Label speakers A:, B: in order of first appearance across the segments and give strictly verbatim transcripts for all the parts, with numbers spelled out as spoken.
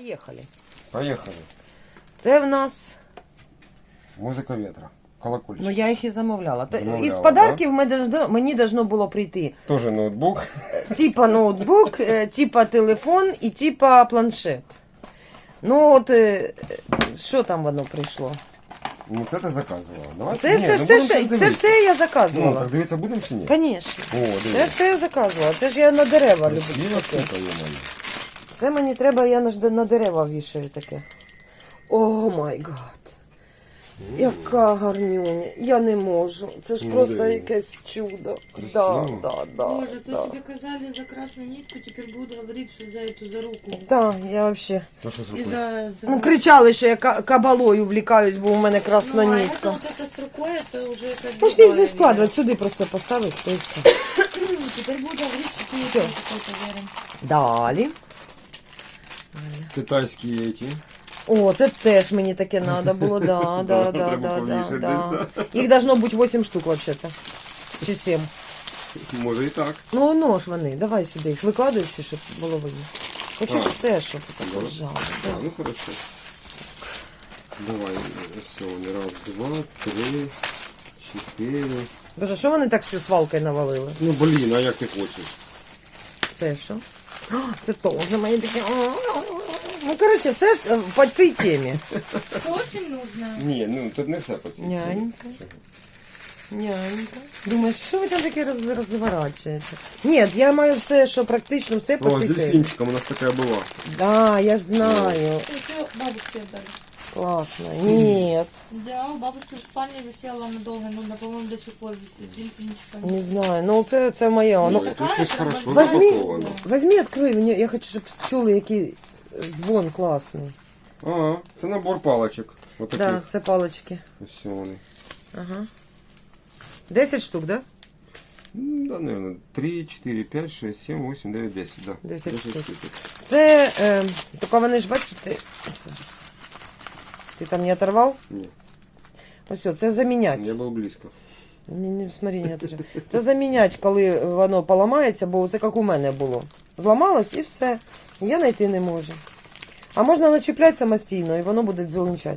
A: Поїхали.
B: Поехали.
A: Це в нас...
B: Музика ветра. Колокольчик.
A: Ну, я їх і замовляла. Та-
B: Замовляла,
A: Із подарків ми должно- мені должно було прийти
B: Тоже ноутбук.
A: типа ноутбук, е, типа телефон і типа планшет. Ну от, е, що там воно прийшло?
B: Ну це ти заказувала. Давай.
A: Це,
B: Ні,
A: все,
B: ну,
A: все,
B: будемо
A: все,
B: щас
A: це
B: дивитися.
A: все я
B: Ну,
A: заказувала.
B: так дивитися будемо чи ні?
A: Звісно.
B: О,
A: Це
B: дивись.
A: все я заказувала. Це ж я на дерева люблю
B: Красива
A: таке.
B: штука, є-моє.
A: Це мені треба, я на, ж- на дерева вішаю таке. О май гад. Яка гарнюня. Я не можу. Це ж
B: Ну,
A: просто
B: диви.
A: якесь чудо. Да,
B: Красиво.
A: да, да,
C: Боже, то
A: да.
C: тебе казали за красную нитку, теперь буду говорить, что за эту, за руку.
A: Да, я вообще.
B: Ну що з
C: И
B: рукою?
C: за, за...
A: Ну, кричали, що я ка- кабалою влікаюсь, бо у мене красна
C: Ну, а
A: нитка.
C: это вот это с рукой, это уже как бы
A: Можна їх
C: другая
A: складувати, сюди просто поставити, то і все.
C: вещь. Теперь буду говорить, что ты
A: Всё.
C: еще какой-то верен.
A: Далі.
B: Китайські эти.
A: О, це теж мені таке треба було, да, да, да,
B: Треба
A: да,
B: повніше
A: да,
B: десь,
A: да. Їх должно бути вісім штук, взагалі-то. Чи сім.
B: Може і так.
A: Ну, ну ж вони, давай сюди їх викладай всі, щоб було видно. Хочу
B: А.
A: все, щоб так
B: Да.
A: лежало.
B: А, ну хорошо. Давай, все, раз, два, три, чотири.
A: Боже, що вони так всю свалкою навалили?
B: Ну блін, а як ти хочеш?
A: Це що? О, це теж мої такі. Ну, коротше, все по цій темі.
C: Очень нужно.
B: Ні, ну тут не все по цій.
A: Нянька. Нянька. Думаєш, що ви там таке роз, розворачуєте? Ні, я маю все, що практично все по
B: О,
A: цій
B: з
A: темі.
B: дельфінчиком у нас така була.
A: Да, я ж знаю.
C: Это бабушке отдали.
A: Класно. Ні,
C: Да, у бабушки в спальне висела надолго, ну, по-моему, до сих пор висит. Дельфинчиком.
A: не знаю. Ну, це, це моє.
B: Ну,
A: Ну,
B: це
C: така
B: щось
C: ж,
B: хорошо
C: вона
A: возьми,
B: запаковано.
A: возьми, відкрий. Мені, я хочу, щоб чули, який дзвон класний.
B: А, це набор паличок. Отаких.
A: Да, це палички.
B: Ось вони.
A: Ага. десять штук, да?
B: Ну, да, наверное, три, четыре, пять, шесть, семь, восемь, девять, десять, да.
A: десять штук.
B: штучек.
A: Це, е, тільки вони ж, бачите, зараз. Ти там не оторвав?
B: Ні,
A: Ось, о, це заміняти.
B: я був близько.
A: Не, не, смотри, не оторвав. Це заміняти, коли воно поламається, бо це як у мене було. Зламалось і все. Я знайти не можу. А можна начіпляти самостійно, і воно буде дзеленчати.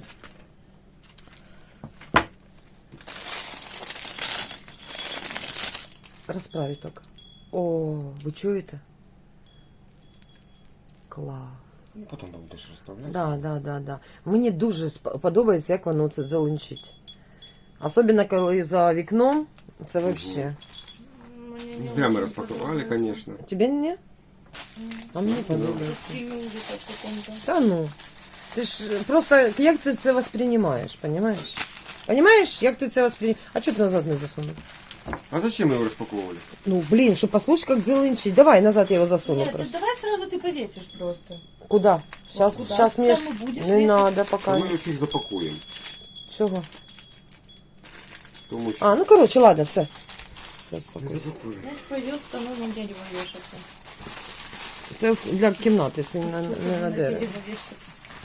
A: Розправить так. О, ви чуєте? Клас.
B: Ну, потім там будеш розправляти.
A: Да, да, да, да. Мені дуже сп- подобається, як воно це дзеленчить. Особливо, коли за вікном, це вообще.
C: Мне не
B: Зря мы
C: очень
B: распаковали,
C: подобается.
B: конечно.
A: Тебе не? А мені
C: Как
A: подобається.
C: в фильме ужасов каком-то.
A: Та ну. Ти ж просто, як ти це воспринимаєш, понимаешь? Понимаешь, як ти це воспринимаєш? А чого ти назад не засунув?
B: А зачем мы его распаковывали?
A: Ну, блин, щоб послушать, як дзеленчить. Давай, назад я його засуну
C: Нет, ты
A: просто.
C: давай сразу ты повесишь просто.
A: Куда? Сейчас,
C: Куда?
A: сейчас мне...
C: Там и будешь
A: Не
C: вешать.
A: надо пока.
B: А мы их запакуем.
A: Чого?
B: Тому що...
A: А, ну короче, ладно, все. Все,
B: Не
A: спокойся.
B: запакуємо.
C: Значит, пойдет к тому дядю вешаться.
A: Це для кімнати, це не, не на
C: На
A: дерево.
C: тебе повесится.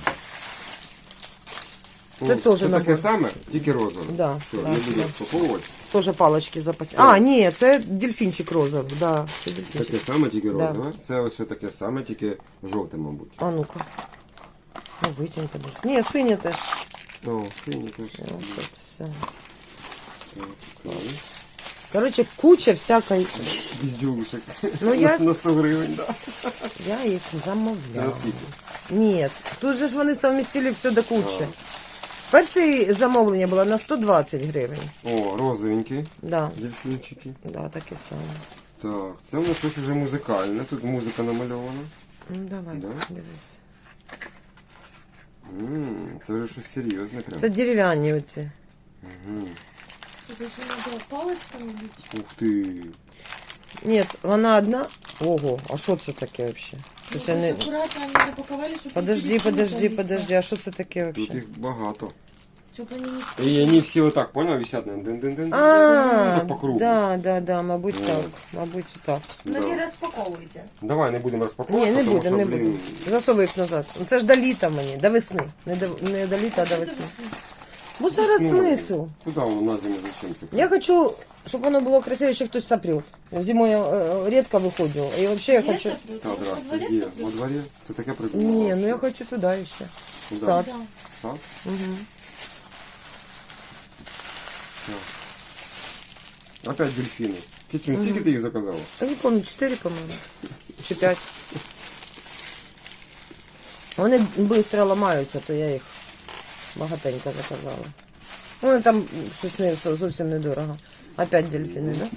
A: Це
B: О,
A: теж
B: це
A: набор.
B: таке саме, тільки розове.
A: Да,
B: Все,
A: да,
B: не буду
A: да.
B: розпаковувати.
A: Тоже палочки запасні.
B: Так.
A: А, ні, це дельфінчик розовий, да, це дельфінчик.
B: Таке саме, тільки
A: Да.
B: розове. Це ось таке саме, тільки жовте, мабуть.
A: А ну-ка. Ну, витягни, подивись. Ні, синє теж.
B: О, синій теж.
A: Ось це все.
B: Так, цікаво.
A: Короче, куча всякої.
B: Безділушек.
A: Ну, я-
B: На сто гривень, да.
A: Я їх
B: Це
A: замовляла.
B: на скільки?
A: Ні, тут же ж вони совмістили все до кучі. Перше замовлення було на сто двадцять гривень.
B: О, розовенькі
A: Да,
B: дельфінчики.
A: да, таке саме.
B: Так, це у нас щось вже музикальне. Тут музика намальована.
A: Ну, давай,
B: Да?
A: дивись.
B: М, Це вже щось серйозне прям.
A: Це дерев'яні оці.
B: Мгм.
C: Это же надо палочками бить.
B: Ух ти.
A: Ні, вона одна. Ого, а що це таке взагалі?
C: Ну,
A: Це не...
C: аккуратно они запаковали, чтобы
A: Подожди, подожди, подожди, а що це таке
B: Тут
A: взагалі?
B: їх багато.
C: Чтобы они не...
B: І вони всі отак, понял, висять на дин-дин-дин.
A: А,
B: Так по кругу.
A: да, да, да, мабуть
B: Вот.
A: так, мабуть так.
C: Ну,
B: Да.
C: не распаковывайте.
B: Давай не будемо розпаковувати.
A: Ні, не
B: тому
A: будемо, не
B: що, блін,
A: будемо. Засовуй їх назад. Ну, це ж до літа мені, до весни. Не до, не до літа, а до весни. Бо зараз
B: ну,
A: смисл.
B: Куди воно на зиму зачем це?
A: Я хочу, щоб воно було красиво, ще хтось сопрет. Зимою я е, рідко виходжу. І взагалі я хочу...
B: Так, здрасте, где? Во дворе? Ты такая придумала?
A: Ні, ну я хочу туди ще.
B: Куда?
A: Сад.
C: Да.
B: Сад?
A: Угу.
B: Опять дельфины. Китин, mm сколько ты их заказала?
A: Я не помню, чотири, по-моєму. Чи п'ять. Вони швидко ламаються, то я їх багатенько заказала. Вони там щось не, зовсім недорого. Опять дельфіни, да?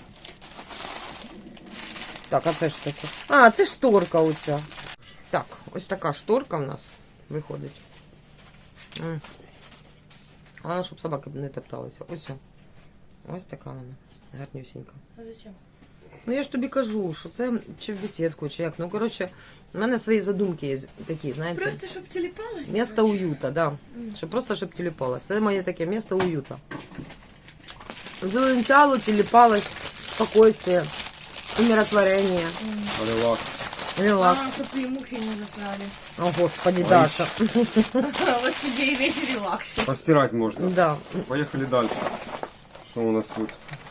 A: Так, а це ж таке? А, це шторка оця. Так, ось така шторка в нас виходить. М. Головне, щоб собаки не топталися. Ось. Ось така вона. Гарнюсінька.
C: А зачем?
A: Ну я ж тобі кажу, що це чи в бесідку, чи як. Ну, коротше, в мене свої задумки є такі, знаєте.
C: Просто, щоб телепалось?
A: Місто уюта, да. Щоб просто, щоб телепалось. Це моє таке місто уюта. Зеленчало, телепалось, спокойствие, умиротворение,
B: Релакс.
A: релакс.
C: А, чтобы и мухи не засрали.
A: О, господи,
B: Ой.
A: Даша.
C: Вот тебе и весь релакс.
B: Постирать можно.
A: Да.
B: Поехали дальше. Что у нас тут?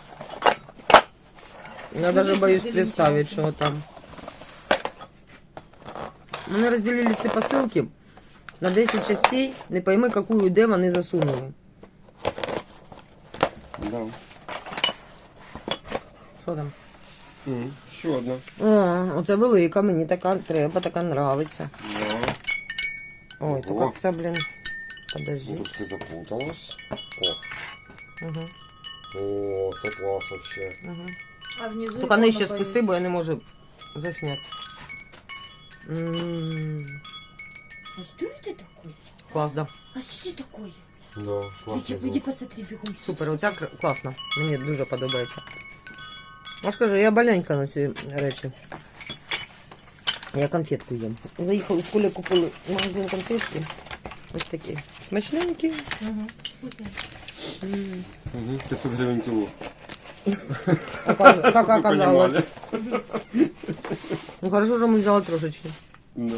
A: Я даже боюсь представить, что там. Вони розділили ці посилки на десять частей. Не пойми, яку де вони засунули.
B: Да.
A: Що там?
B: М, Еще одна.
A: О, оце велика, мені така треба, така нравиться.
B: Да.
A: Ой, то
B: Ого.
A: як це, блін.
B: Ну,
A: Подожди.
B: тут все запуталось. О,
A: Угу,
B: О, це клас вообще.
A: угу.
C: А внизу
A: Тільки нижче спусти, бо я не можу засняти. М,
C: А что это такое?
A: Клас, да.
C: А что это такое?
B: Да, класний
C: Иди, иди
B: звук.
C: посмотри бегом.
A: Супер, оця кр- класна. Мені дуже подобається. Я скажу, я маленька на ці речі. Я конфетку їм. Заїхали з Колею, купили в магазин конфетки. Ось такі. Смачненькі.
C: Угу. Вкусно.
A: М.
B: Угу, пятьсот гривен кило.
A: Оказ- Як
B: Вы
A: оказалось.
B: понимали?
A: Ну хорошо, що ми взяли трошечки.
B: Да.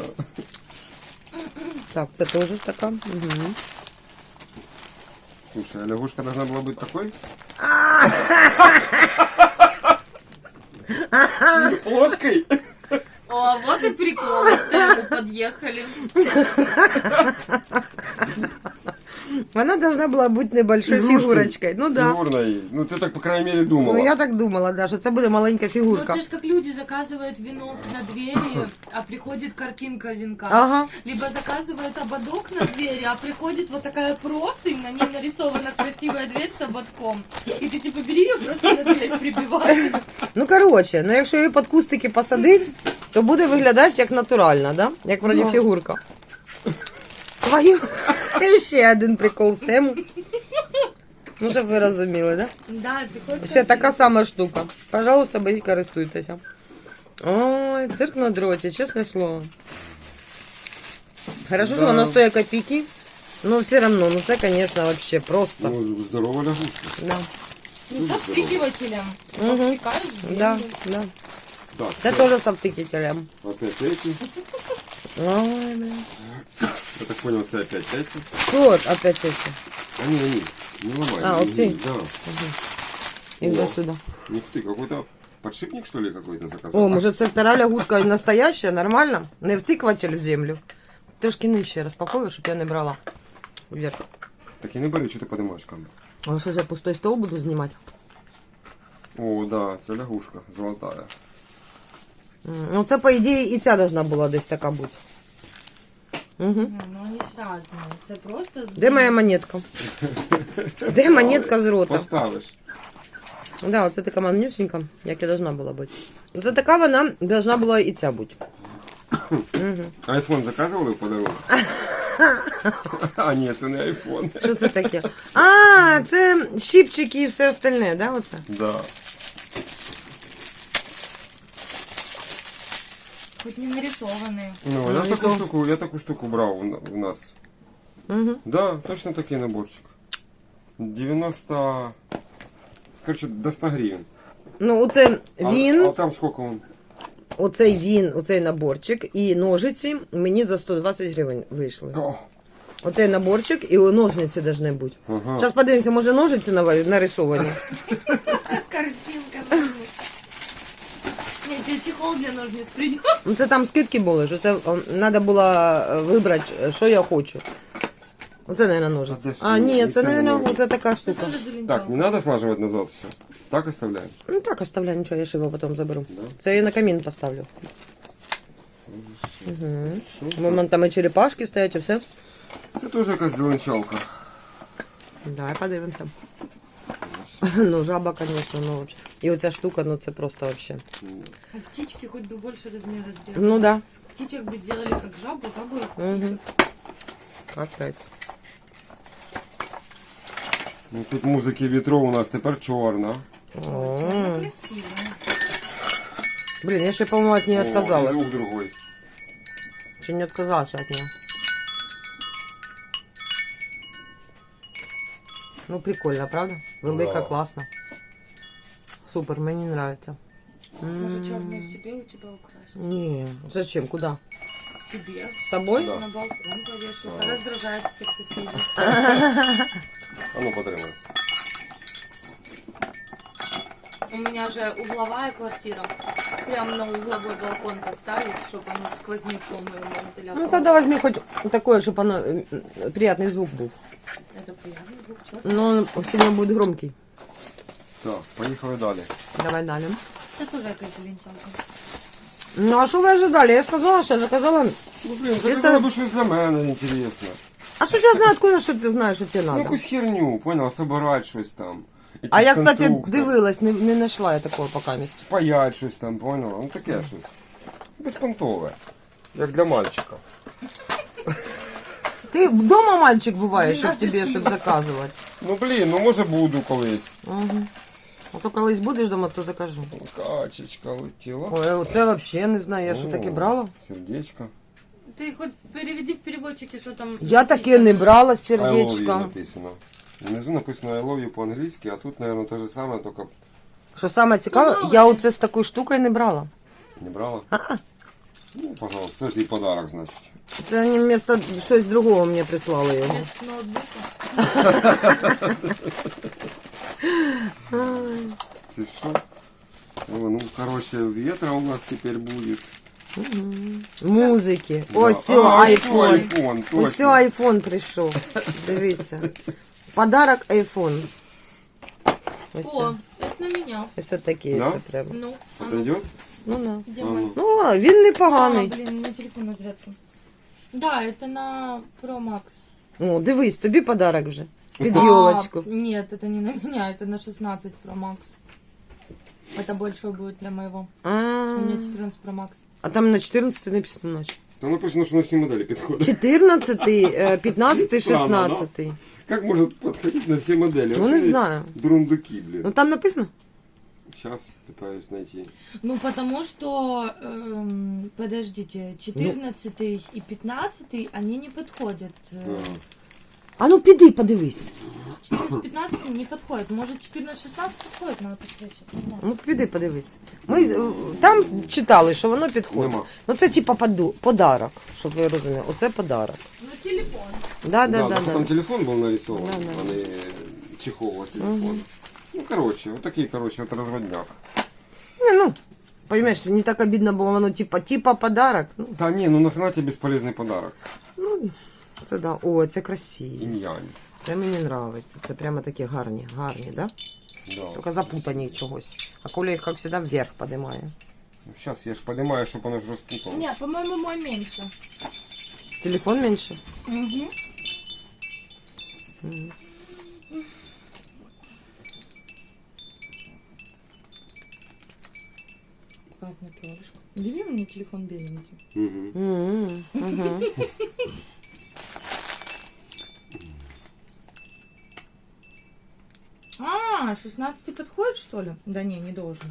A: Так, це теж така. Угу.
B: Слушай, а лягушка должна была быть такой? Плоской?
C: О, вот и прикол, с тему подъехали.
A: Вона должна була бути небольшой
B: Фігуркою.
A: фігурочкою. Ну да.
B: Фигурной. Ну ты так, по крайней мере, думала.
A: Ну я так думала, да, що це буде маленька
C: Ну,
A: фігурка.
C: это же как люди заказывают венок на двери, а приходит картинка венка.
A: Ага.
C: Либо заказывают ободок на двери, а приходит вот такая простынь, на ней нарисована красивая дверь с ободком. И ты типа бери ее, просто на дверь прибивай.
A: Ну коротше, ну якщо її під кустики посадить, то буде виглядати як натурально, да? Як вроді
B: Ну.
A: фігурка. Твою. І ще один прикол з тему. Ну, щоб ви розуміли, да?
C: Да, приходит
A: Ще така сама штука. Пожалуйста, беріть, користуйтеся. Ой, цирк на дроті, чесне слово. Хорошо,
B: Да.
A: що воно стоїть копійки, но все одно, ну це, звісно, вообще просто.
B: Ну, здоровая лягушка.
A: Да.
C: Ну, с обстыкивателем.
A: Мгм.
C: Обстыкаешь
A: Да,
C: землю.
A: да.
B: Так,
A: Це
B: всё.
A: теж з обтикателем.
B: Опять эти.
A: Ой, блин.
B: Я так понял, это опять эти.
A: Вот, опять эти.
B: Они, они. Не ломай.
A: А,
B: не-
A: вот
B: не-
A: эти?
B: Да.
A: Их
B: О.
A: до сюда.
B: Ух ты, какой-то подшипник, что ли, какой-то заказал?
A: О, может, це вторая лягушка настоящая, нормально? Не втикватель в землю. Трошки нижче розпаковую, щоб я не брала вверх.
B: Так я не бери, что ты поднимаешь камеру.
A: А що ж я пустой стол буду знімати?
B: О, да, это лягушка золотая.
A: М, Ну, це, по ідеї, і ця должна була десь така бути. Угу.
C: Ну, они ж разные. Это просто...
A: Де моя монетка? Де монетка з рота?
B: Поставишь.
A: Да, оце така манюсенька, як і должна була бути. За така вона должна була і ця бути. Угу.
B: Айфон заказывал в подарунок? А, нет, это не айфон.
A: Що це таке? А, це щипчики і все остальне, да, оце?
B: Да.
C: Хоть не нарисованные.
B: Ну,
A: Ну,
B: я
A: и
B: такую
A: то.
B: штуку, я такую штуку брал у на- у нас.
A: Угу.
B: Да, точно такой наборчик. девяносто... Короче, до ста гривен.
A: Ну, оце
B: А-
A: він,
B: А, там сколько он?
A: оцей він, оцей наборчик і ножиці мені за сто двадцять гривень вийшли.
B: О,
A: Оцей наборчик і ножниці повинні бути.
B: ага.
A: Зараз подивимося, може ножиці нава- нарисовані.
C: Картина. чехол для ножниц принес.
A: Ну це там скидки були, що це треба було вибрати, що я хочу. Оце, мабуть, ножиці.
B: А це
A: А,
B: що?
A: ні,
B: І
A: це,
B: це не
A: мабуть,
B: ножиці.
A: оце така
C: Это
A: штука.
C: тоже
B: Так,
C: зеленчалка.
B: не надо слаживать назад все. Так оставляем.
A: Ну так, оставляй, нічого, я ж його потім заберу.
B: Да?
A: Це я на камін поставлю. Угу.
B: Що?
A: Вон там і черепашки стоять, і все.
B: Це теж якась зеленчалка.
A: Давай подивимося. Ну, жаба, звісно, ну вообще. І оця штука, ну це просто вообще.
C: А птички хоть бы больше размера сделали.
A: Ну да.
C: Птичек бы сделали как жабу, жабу и
A: Мгм.
C: птичек.
A: Капець.
B: Ну, тут музики вітру у нас тепер чорна.
A: О.
C: Чёрно красиво.
A: Блін, я ще, по-моєму, от нее
B: О, і
A: отказалась.
B: звук другой.
A: Чи не отказалась от нее? Ну, прикольно, правда? Велика,
B: Да.
A: классно. Супер, мені нравится.
C: Может,
A: М.
C: черную себе у тебя украсть?
A: Не, зачем, куда?
C: Себе.
A: С собой?
B: Да.
C: На балкон повешу. Раздражает всех соседей.
B: А ну, потримай.
C: У меня же угловая квартира. Прям на угловой балкон поставить, чтобы оно сквозняком и вентилятор.
A: Ну, тогда возьми хоть такое, чтобы оно э, э, приятный звук был.
C: Это приятный звук, чё?
A: Но он сильно будет громкий.
B: Так, поїхали далі.
A: Давай далее.
C: Это тоже какая-то лентянка.
A: Ну, а что вы ожидали? Я сказала, что я заказала.
B: Ну, блін,
A: Чисто-
B: заказала би щось для мене інтересно.
A: А что я знаю, откуда, что ты знаешь, что тебе
B: Ну,
A: надо?
B: якусь херню, понял, собирать щось там.
A: А я,
B: Якийсь
A: кстати,
B: конструктор.
A: дивилась, не, не знайшла я такого пока місця.
B: Паять щось там, понял? Ну таке щось. Безпонтове. Як для мальчика.
A: Ти вдома мальчик буваєш, щоб
C: Двенадцять
A: тобі, щоб заказувати.
B: Ну блін, ну може буду колись.
A: Угу. А то колись будеш вдома, то закажу.
B: Качечка летіла.
A: Ой, це взагалі не знаю, я що
B: О,
A: таке брала.
B: Сердечко.
C: Ты хоть переведи в переводчике, что там.
A: Я таке не брала з
B: I love you
A: сердечком.
B: написано. Внизу написано I love you по-англійськи, а тут, наверное, те же саме, тільки
A: Що саме цікаве,
C: Ну,
A: я
C: мало
A: оце з такою штукою не брала.
B: не брала. Ну, пожалуйста, це твій подарок, значить.
A: Це вони вместо щось другого мені прислали його.
C: Без ноутбука.
B: Ти що? О, ну, короче, ветра у нас теперь будет.
A: Музики.
B: Да.
A: Ось все,
B: А,
A: айфон.
B: айфон,
A: Ось
B: точно.
A: все, айфон прийшов. Дивіться. Подарок айфон. Ось.
C: О, это на меня.
A: Ось такі,
B: Да?
A: якщо треба.
C: Ну, а ну,
B: Подойдет?
A: Ну, на.
C: где
B: А
C: мой?
B: ну.
A: Ну, а, він
C: А,
A: непоганий.
C: блин, на телефон на зарядке. Да, это на Pro Max.
A: О, дивись, тобі подарок вже. Під
C: А,
A: йолочку.
C: нет, это не на меня, это на шестнадцать Pro Max. Это большой будет для моего.
A: А,
C: У меня четырнадцать Pro Max.
A: а там на чотирнадцятий написано наче.
B: Там написано, що на всі моделі підходить.
A: чотирнадцятий, е, п'ятнадцятий,
B: Странно, да?
A: шістнадцятий.
B: Как может подходить на все модели?
A: Ну, не знаю.
B: Дурундуки, блин.
A: Ну там написано?
B: Сейчас пытаюсь найти.
C: Ну, потому что, эм, подождите, четырнадцатый и пятнадцатый, они не подходят. Э,
B: Да.
A: А ну піди, подивись.
C: четырнадцать-пятнадцать не подходит. Может, четырнадцать-шестнадцать подходит, надо посмотреть.
A: Ну піди, подивись. Ми е, там читали, що воно підходить.
B: Нема.
A: Ну це типа поду- подарок, щоб ви розуміли. Оце подарок.
C: Ну, телефон.
A: Да, да, да,
B: так
A: да.
B: там телефон был нарисован,
A: Да, да.
B: а не чехол от телефона. Ну, короче, вот такие, короче, вот разводняк.
A: Не, ну, понимаешь, не так обидно було, воно типа, типа подарок. Ну,
B: Да не, ну нахрена тебе бесполезный подарок.
A: ну, це да. О, це красиво.
B: Инь-янь.
A: Це мені подобається. Це прямо такі гарні, гарні, да?
B: Да.
A: Тільки запутані чогось. А Коля їх, як завжди, вверх піднімає.
B: Ну, сейчас я ж понимаю, чтобы оно же распутало.
C: Не, по-моему, мой меньше.
A: Телефон менше?
C: Угу. Аккуратно, перышко. Бери мне телефон беленький.
B: Мгм.
A: М, мгм.
C: А, шестнадцатый подходит, что ли? Да не, не должен.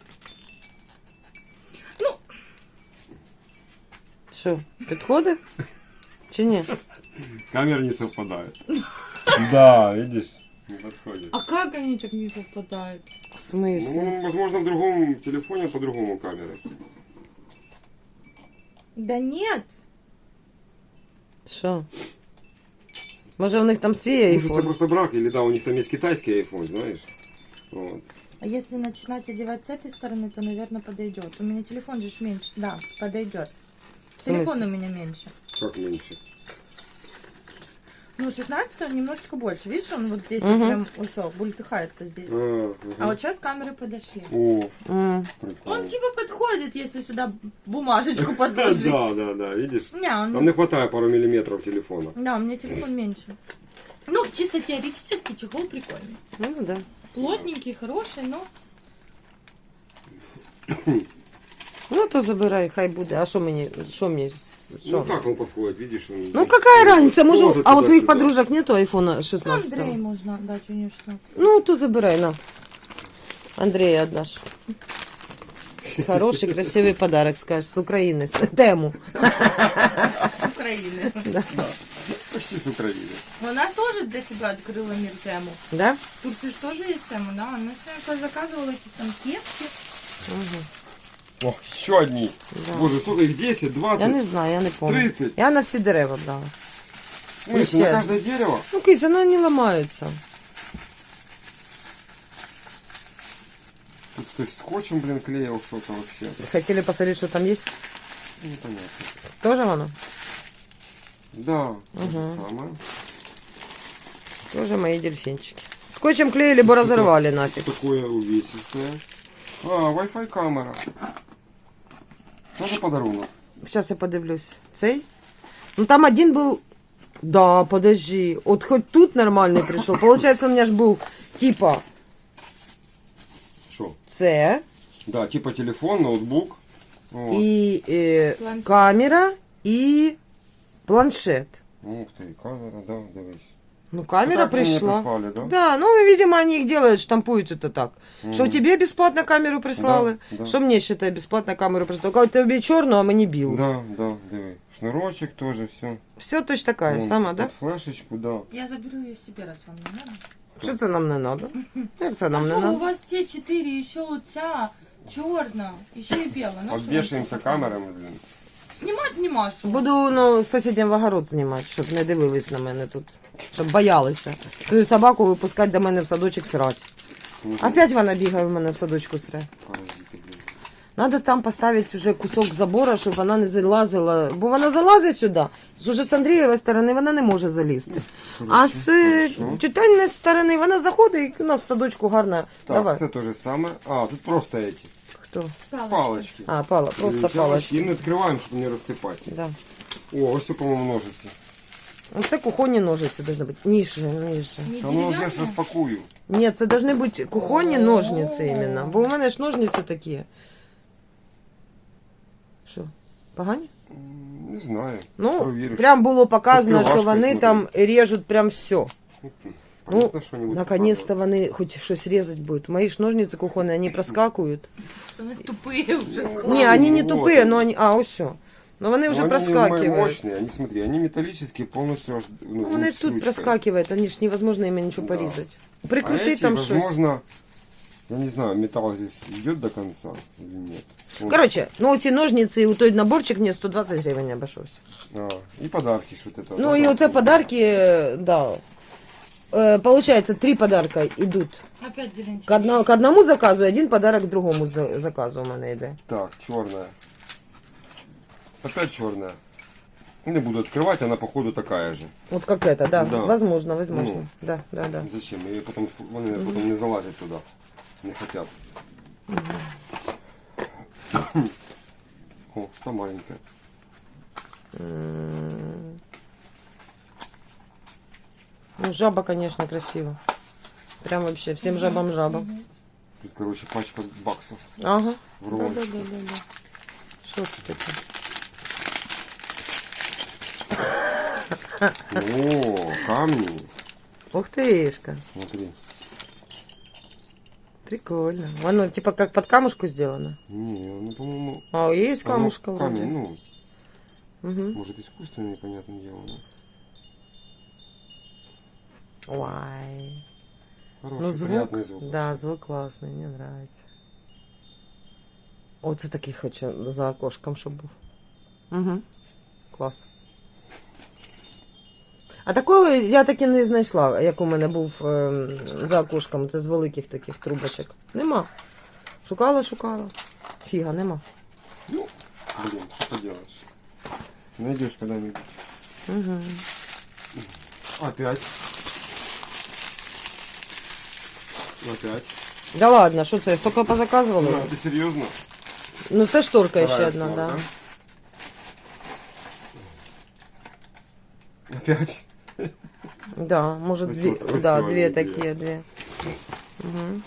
A: Що, підходить? Чи ні?
B: Камера не совпадает. Да, видишь, не подходит.
C: А как они так не совпадают?
A: В смислі?
B: Ну, возможно, в другом телефоне по-другому камера.
C: Да нет.
A: Що? Може в них там свій
B: Может, это
A: айфон?
B: просто брак, или да, у них там есть китайский iPhone, знаешь. Вот.
C: А если начинать одевать с этой стороны, то, наверное, подойдет. У меня телефон же ж меньше. Да, подойдет.
A: В смысле?
C: Телефон у меня меньше.
B: Как меньше?
C: Ну, шестнадцатый он немножечко больше. Видишь, он вот здесь
A: Мгм.
C: вот прям все, бультыхается здесь.
B: А,
C: А вот сейчас камеры подошли.
B: О,
A: М.
B: прикольно.
C: Он типа подходит, если сюда бумажечку подложить.
B: Да, да, да, видишь?
C: Не, он...
B: Там не хватает пару миллиметров телефона.
C: Да, у меня телефон меньше. Ну, чисто теоретически чехол прикольный.
A: Ну да.
C: Плотненький, хороший, но...
A: Ну то забирай, хай буде. А що мені? Що мені? Що?
B: Ну как он подходит, видишь? Он...
A: Ну какая разница, може,
B: Поза
A: а у твоїх
B: туда-сюда.
A: подружок нету айфона
C: Ну,
A: шестнадцать?
C: Андрей можно отдать, у нее шестнадцать.
A: Ну, то забирай, на. Андрея отдашь. Хороший, красивый подарок, скажешь, с Украины, с тему.
C: С Украины.
B: Почти с Украины.
C: Она тоже для себя открыла мир тему.
A: Да?
C: В Турции же тоже есть тема, да? Она себе заказывала какие-то там кепки.
A: Угу.
B: О, еще одни.
A: Да.
B: Боже, сколько их? десять,
A: Я
B: двадцать?
A: не знаю, я не помню.
B: тридцать.
A: Я на всі дерева брала.
B: В смысле,
A: Еще
B: на
A: одни.
B: каждое дерево?
A: Ну, киць, она не ломается.
B: Тут ты скотчем, блин, клеил что-то вообще.
A: Хотели посмотреть, что там есть?
B: Непонятно.
A: Тоже оно?
B: Да, то же
A: Мгм.
B: самое.
A: Тоже мои дельфинчики. Скотчем клеили, бы разорвали нафиг.
B: Такое увесистое. А, Wi-Fi камера. Тоже подарунок.
A: Сейчас я подивлюсь. Цей? Ну там один был... Да, подожди. Вот хоть тут нормальный пришел. Получается, у меня ж был типа
B: Что?
A: С
B: Да, типа телефон, ноутбук. Вот.
A: и э,
C: Планшет.
A: камера и планшет.
B: Ух ты, камера, да, дивись.
A: Ну, камера
B: Так они мне
A: пришла.
B: прислали, да?
A: Да, ну, видимо, они их делают, штампуют это так. Что
B: Мгм.
A: тебе бесплатно камеру прислали,
B: Да, да.
A: что мне, считай, бесплатно камеру прислали. Только тебе черную, а мне бил.
B: Да, да, диви. Шнурочек тоже, все.
A: Все точно такая, сама, да?
B: Флешечку, да.
C: Я заберу ее себе, раз вам не надо.
A: Что это нам не надо? Как это
C: А
A: нам не
C: что, у
A: надо?
C: вас те четыре, еще вот вся черная, еще и белая. Ну, что
B: Обвешаемся
C: вы
B: камерами, блин.
C: Снимать не машу.
A: Буду ну, сусідям в огород знімати, щоб не дивились на мене тут. Щоб боялися. Свою собаку випускати до мене в садочок срати. Опять вона бігає в мене в садочку сре.
B: Паразиты, блин.
A: Надо там поставити вже кусок забора, щоб вона не залазила. Бо вона залазить сюди. Уже з Андрієвої сторони вона не може залізти. А з е,
B: хорошо.
A: тютянної сторони вона заходить і у нас в садочку гарно.
B: Так,
A: Давай.
B: это то же самое. А, тут просто эти
A: Хто?
C: Палочки.
B: палочки.
A: А, пала, просто
B: Сейчас
A: палочки.
B: И не открываем, чтобы не рассыпать.
A: Да.
B: О, все, по-моему, ножицы.
A: Це кухонні ножиці повинні бути. Ніже, ніже.
C: Не
B: Да ну, я
C: деревянные?
B: ж розпакую.
A: Ні, це повинні бути кухонні ножниці іменно. Бо у мене ж ножниці такі. Що? Погані?
B: М, Не знаю.
A: Ну,
B: Провіриш.
A: прям було показано,
B: З
A: що
B: відкривашкою,
A: вони там режуть прям все. Ну,
B: Понятно, что-нибудь
A: наконец-то вони хоч щось різати будуть. Мої ж ножниці кухонні, вони проскакують.
C: Они тупые уже.
A: Ні, вони не
B: вот.
A: тупі, але вони... А, ось все. Ну вони вже
B: Ну, они
A: проскакивают.
B: мощные, они, смотри, они металлические, полностью аж, ну,
A: Ну, вони
B: ну, с
A: тут
B: ручкой.
A: проскакивают, они ж невозможно ими ничего
B: Да.
A: порезать.
B: А
A: Прикрути
B: эти,
A: там щось.
B: возможно, я не знаю, металл здесь идет до конца или нет. Вот.
A: Короче, ну ці ножниці і у той наборчик мені сто двадцять гривень обійшовся.
B: А, и подарки что-то. это.
A: Ну і оце подарки, да. Э, Получается, три подарка идут
C: Опять зеленчик.
A: к, одно, к одному заказу, и один подарок к другому за- заказу у мене йде.
B: Так, черная. Опять черная. Не буду открывать, она походу такая же.
A: Вот как это, да.
B: Да.
A: Возможно, возможно.
B: Ну.
A: Да, да, да.
B: Зачем? И потом, сл- они потом не залазят туда. Не хотят. О, что маленькая.
A: М. Ну, жаба, конечно, красиво. Прям вообще, всем жабам жаба.
B: Тут, короче, пачка баксов
A: Ага.
B: в
A: Да, да,
B: рулончике.
A: да, да, да. Что это такое?
B: О, камни.
A: Ух тышка.
B: Смотри.
A: Прикольно. Оно типа как под камушку сделано.
B: Не, ну, по-моему...
A: А, есть
B: оно
A: камушка
B: в
A: вроде.
B: камень, ну,
A: Мгм.
B: может, искусственно, непонятное дело. но
A: Ой.
B: Хороший,
A: Ну звук,
B: приятный звук.
A: да, звук классный, мне нравится. Оце такий хочу за окошком, щоб був. Угу. Клас. А такої я таки не знайшла, як у мене був е, за окошком. Це з великих таких трубочок. Нема. Шукала, шукала. Фіга, нема.
B: Ну, блин, что поделаешь. Найдешь когда-нибудь.
A: Угу.
B: Опять. Опять.
A: Да ладно, що це? Я стільки позаказувала?
B: Да, ты серьезно?
A: Ну це шторка ще
B: Вторая
A: одна,
B: шторка.
A: да.
B: Опять.
A: Да, может, две,
B: Красиво-
A: да,
B: красиво
A: две
B: они
A: такие, две. Угу.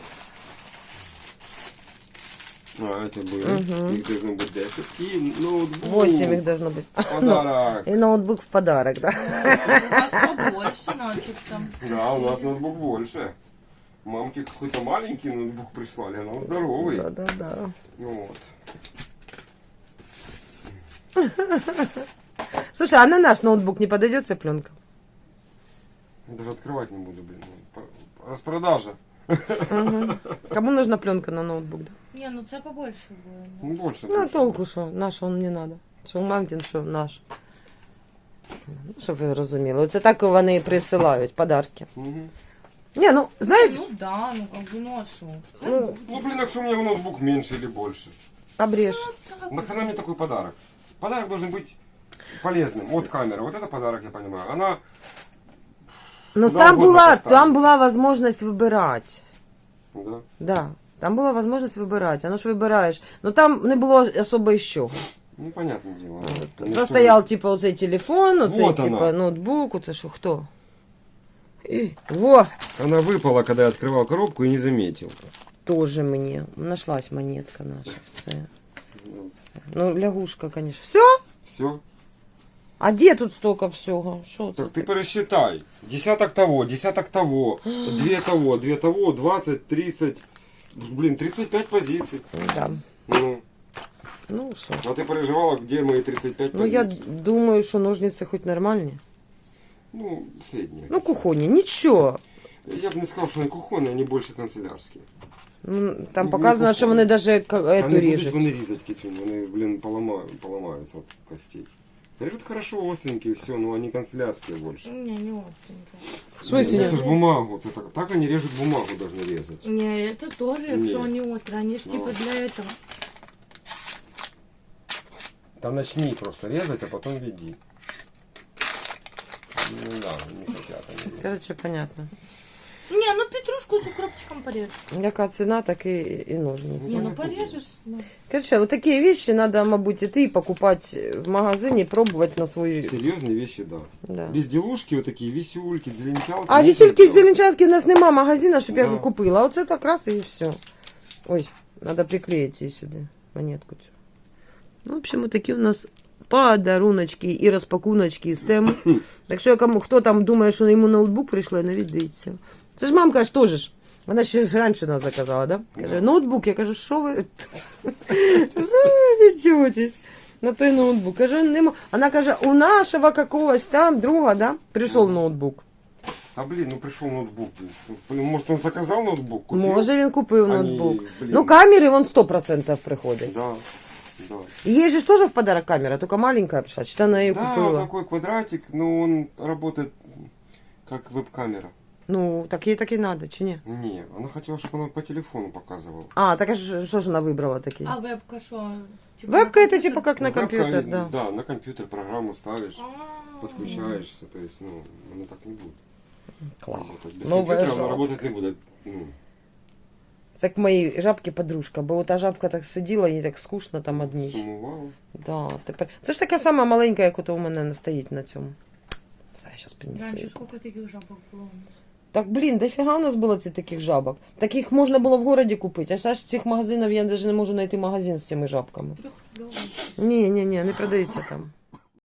B: А, это будет.
A: Мгм.
B: Их должно быть десять. И ноутбук.
A: Восемь их должно быть.
B: Подарок.
A: И ноутбук в подарок, да.
C: У вас побольше, начебто.
B: Да, у нас ноутбук больше. Мамке какой-то маленький ноутбук прислали, а он здоровый.
A: Да, да, да.
B: Ну вот.
A: Слушай, а на наш ноутбук не подойдет ця пленка?
B: Я даже открывать не буду, блин. По- Распродажа.
A: Мгм. Кому нужна пленка на ноутбук? Да?
C: Не, ну це побольше буде.
B: Ну больше.
A: Ну, а
B: больше.
A: толку що? Наш он не надо. Що мамкин, що наш. Ну, щоб ви розуміли. Оце так вони і присилають подарки.
B: Мгм.
A: Ні, ну, знаєш,
C: Ну да, ну как бы, ну а шо?
A: ну,
B: Ну блин, а что у меня ноутбук меньше или больше?
A: обрежь.
C: Так,
B: Нахрена мне такой подарок? Подарок должен быть полезным. Вот камера, вот это подарок, я понимаю. Она,
A: Ну,
B: Куда
A: там
B: угодно
A: була,
B: поставити.
A: там була возможность вибирати.
B: да.
A: Да, там була можливість вибирати, воно ж вибираєш. Ну там не було особо із чого.
B: Ну, понятное дело.
A: От,
B: Не
A: Застояв, типу, оцей телефон, оцей,
B: Вот
A: типу,
B: вона.
A: ноутбук, оце що, хто? І, во,
B: Она выпала, когда я открывал коробку и не заметил.
A: теж мені. Нашлась монетка наша, все. все. Ну, лягушка, конечно. Все?
B: Все.
A: А де тут столько всього? Що це
B: Так ты
A: таке?
B: пересчитай. Десяток того, десяток того, две того, две того, двадцать, тридцать. Блин, тридцать пять позиций.
A: Да.
B: Ну,
A: Ну, що?
B: а ты переживала, где мои тридцать пять
A: Ну, я
B: позиций?
A: думаю, що ножниці хоч нормальні.
B: Ну, средние.
A: Ну, кухонні, нічого.
B: Я бы не сказал, что они кухонные, они больше канцелярские.
A: Ну, там
B: Ну,
A: показано,
B: ну,
A: що вони навіть
B: Они
A: эту
B: будут
A: ріжуть.
B: вони різать кицюнь, вони, блин, поломают, поломаются от костей. Режут хорошо, остренькие, все, но они канцелярские больше.
C: Не, не остренько.
A: В смысле
B: Это
A: не?
B: ж бумагу, это так, так они режут бумагу, должны резать.
C: Не, это тоже,
B: Не.
C: якщо они острые, они ж
B: Ну.
C: типа для этого.
B: Там начни просто резать, а потом веди. Ну да, не хотят они.
A: Короче, понятно.
C: Не, ну петрушку с укропчиком порежь.
A: Яка ціна, так і, і ножниці.
C: Не, ну порежешь. Ну.
A: Короче, вот такие вещи надо, мабуть, идти покупать в магазине, пробовать на свою...
B: Серьезные вещи, да.
A: Да.
B: Безделушки, вот такие висюльки, зеленчалки.
A: А
B: можно
A: висюльки в
B: делать.
A: Зеленчатке у нас нема магазина, щоб я
B: Да.
A: купила. А оце так раз і все. Ой, надо приклеить її сюди, монетку цю. Ну, в общем, вот такі у нас подаруночки і розпакуночки з тем. Так що, кому, хто там думає, що йому ноутбук прийшло, навіть дивіться. Це ж мамка ж теж ж. Вона ще ж раніше нас заказала, да? Каже,
B: Да.
A: ноутбук. Я кажу, що ви? Що ви ведетесь? На той ноутбук. Кажу, нема. Вона каже, у нашого какогось там друга, да, прийшов ноутбук.
B: А блин, ну пришел ноутбук. Блин, может он заказал ноутбук? Купил?
A: Може він купив
B: Ані,
A: ноутбук.
B: блін.
A: Ну, камери вон сто процентов приходять.
B: Да, да.
A: И ей же ж тоже в подарок камера, только маленькая пришла. Что она ее
B: Да,
A: купила?
B: такой квадратик, но он работает как веб-камера.
A: Ну, так ей так и надо, чи не?
B: Не, она хотела, чтобы она по телефону показывала.
A: А, так а ж- что же она выбрала такие?
C: А вебка что? Типа
A: Вебка
C: на
A: это
C: компьютер?
A: типа как на
B: Ну, вебка,
A: компьютер, да.
B: Да, на компьютер программу ставишь,
C: А.
B: подключаешься, то есть, ну, она так не будет
A: Класс.
B: работать. Без
A: Новая
B: компьютера она
A: жопа.
B: работать не будет. Ну,
A: Так моей жабки подружка, бо та жабка так сиділа, їй так скучно там одній.
B: сумувала.
A: Да, тепер. Це ж така сама маленька, як ото у мене стоїть на цьому. Все, я зараз принесу.
C: Раньше
A: її.
C: сколько таких жабок было у нас?
A: Так, блін, дофіга у нас було цих таких жабок. Таких можна було в городі купити, а зараз цих магазинів я навіть не можу знайти магазин з цими жабками.
C: Трехрублевые.
A: Ні, ні, ні, не продаються там.